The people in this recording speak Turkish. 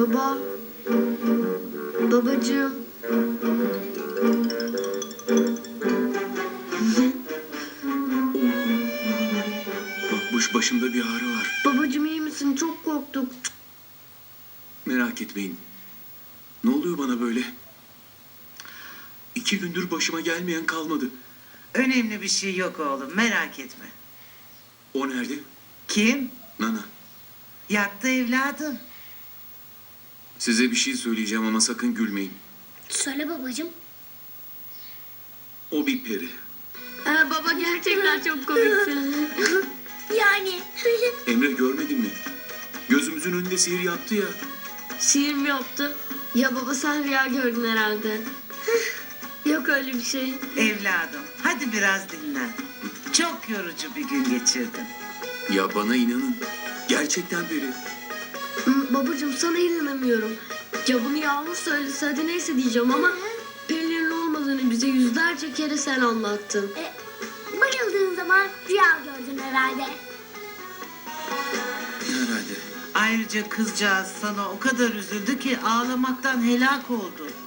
Baba. Babacığım. Bakmış başımda bir ağrı var. Babacığım iyi misin? Çok korktuk. Merak etmeyin. Ne oluyor bana böyle? 2 gündür başıma gelmeyen kalmadı. Önemli bir şey yok oğlum, merak etme. O nerede? Kim? Nana. Yattı evladım. Size bir şey söyleyeceğim ama sakın gülmeyin. Söyle babacığım. O bir peri. Baba gerçekten çok komiksin. Yani. Emre görmedin mi? Gözümüzün önünde sihir yaptı ya. Şiir mi yaptı? Ya baba sen rüya gördün herhalde. Yok öyle bir şey. Evladım, hadi biraz dinlen. Çok yorucu bir gün geçirdin. Ya bana inanın. Gerçekten peri. Babacığım sana inanamıyorum. Ya bunu Yağmur söylese hadi neyse diyeceğim ama perilerin olmadığını bize yüzlerce kere sen anlattın. Bayıldığın zaman rüya gördün herhalde. Herhalde. Ayrıca kızcağız sana o kadar üzüldü ki ağlamaktan helak oldu.